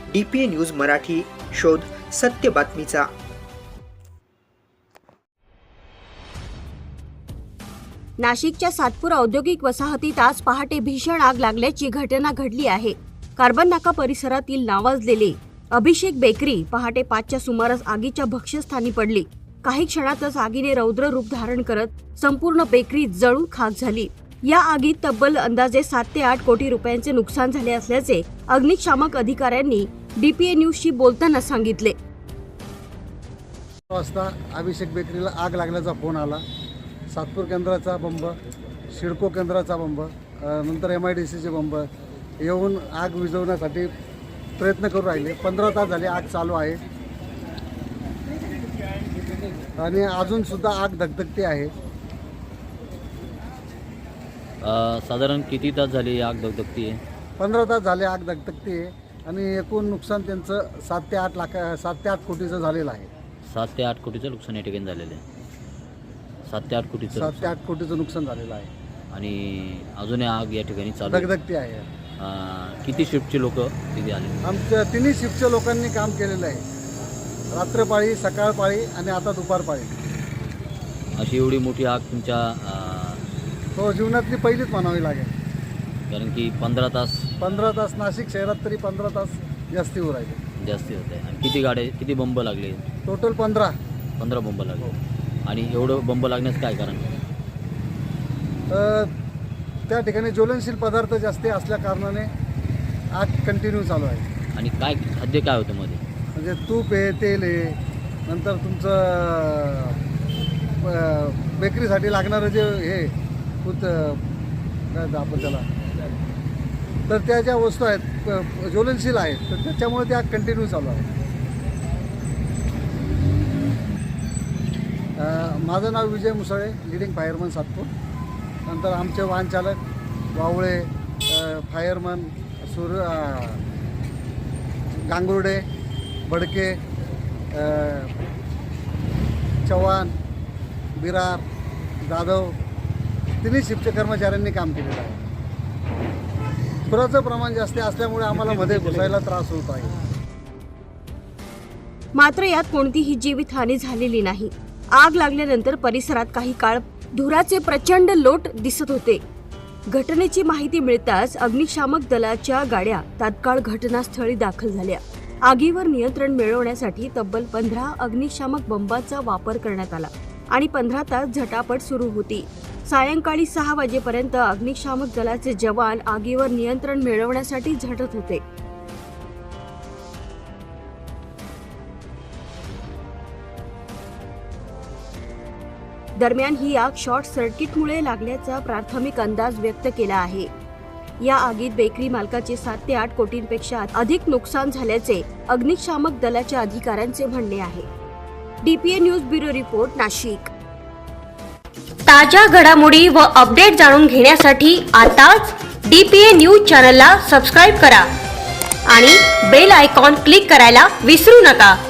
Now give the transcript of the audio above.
DPA news Marathi, शोध सत्य बातमीचा। नाशिकच्या सातपूर औद्योगिक वसाहतीत आज पहाटे भीषण आग लागल्याची घटना घडली आहे। कार्बन नाका परिसरातील नावाजलेले अभिषेक बेकरी पहाटे 5च्या सुमारास आगीच्या भक्ष्यस्थानी पडली। काही क्षणातच आगीने रौद्र रूप धारण करत संपूर्ण बेकरी जळून खाक झाली। या आगीत तब्बल अंदाजे 7 ते 8 कोटी रुपयांचे नुकसान झाले असल्याचे अग्निशामक अधिकाऱ्यांनी DPA न्यूजशी बोलताना सांगितले। वाजता अभिषेक बेकरीला आग लागल्याचा फोन आला। सातपूर केंद्राचा बंब, सिडको केंद्राचा बंब, नंतर MIDCचे बंब येऊन आग विझवण्यासाठी प्रयत्न करू राहिले। 15 तास झाले आग चालू आहे आणि अजून सुद्धा आग धगधगते आहे। साधारण किती तास झाले आग धगधगती आहे? 15 तास झाले आग धगधगते आहे आणि एकूण नुकसान त्यांचं 7 ते 8 कोटीचं झालेलं आहे। 7 ते 8 कोटीचं नुकसान या ठिकाणी झालेलं आहे। 7 ते 8 कोटीचं 7 ते 8 कोटीचं नुकसान झालेलं आहे आणि अजून आग या ठिकाणी चालू आहे। धगधगते आहे। किती शिफ्टचे लोक तिथे आले? आमच्या तिन्ही शिफ्टच्या लोकांनी काम केलेलं आहे। रात्रपाळी, सकाळपाळी आणि आता दुपारपाळी। अशी एवढी मोठी आग तुमच्या हो, जीवनातली पहिलीच म्हणावी लागेल, कारण की 15 तास नाशिक शहरात तरी 15 तास जास्ती होऊ राहिले, जास्ती होते। आणि किती गाड्या, किती बंब लागले? टोटल 15 बंब लागले। आणि एवढं बंब लागण्याचं काय कारण? त्या ठिकाणी ज्वलनशील पदार्थ जास्त असल्या कारणाने आग कंटिन्यू चालू आहे। आणि काय खाद्य काय होतं मध्ये? म्हणजे तूप आहे, तेल आहे, नंतर तुमचं बेकरीसाठी लागणारं जे हे काय आपण त्याला, तर त्या ज्या वस्तू आहेत ज्वलनशील आहेत, तर त्याच्यामुळे त्या कंटिन्यू चालू आहे। माझं नाव विजय मुसळे, लीडिंग फायरमन सातपूर। नंतर आमचे वाहन चालक वावळे, फायरमन गांगुर्डे, बडके, चव्हाण, बिरार, जाधव तिन्ही शिफ्टच्या कर्मचाऱ्यांनी काम केलेलं आहे। पुराचं प्रमाण जास्त असल्यामुळे आम्हाला मध्ये घुसायला त्रास होत आहे। मात्र यात कोणतीही जीवितहानी झालेली नाही। आग लागल्यानंतर परिसरात काही काळ धुराचे प्रचंड लोट दिसत होते। घटनेची माहिती मिळताच अग्निशामक दलाच्या गाड्या तात्काळ घटनास्थळी दाखल झाल्या। आगीवर नियंत्रण मिळवण्यासाठी तब्बल 15 अग्निशामक बंबाचा वापर करण्यात आला आणि 15 तास झटापट सुरू होती। सायंकाळी 6 वाजेपर्यंत अग्निशामक दलाचे जवान आगीवर नियंत्रण मिळवण्यासाठी झटत होते। दरम्यान ही आग शॉर्ट सर्किटमुळे लागल्याचा प्राथमिक अंदाज व्यक्त केला आहे। या आगीत बेकरी मालकाचे 7 ते 8 कोटींपेक्षा अधिक नुकसान झाल्याचे अग्निशामक दलाच्या अधिकाऱ्यांचे म्हणणे आहे। DPA news bureau report, Nashik. ताज्या घडामोडी व अपडेट जाणून घेण्यासाठी आताच DPA न्यूज चॅनलला सबस्क्राईब करा आणि बेल आयकॉन क्लिक करायला विसरू नका।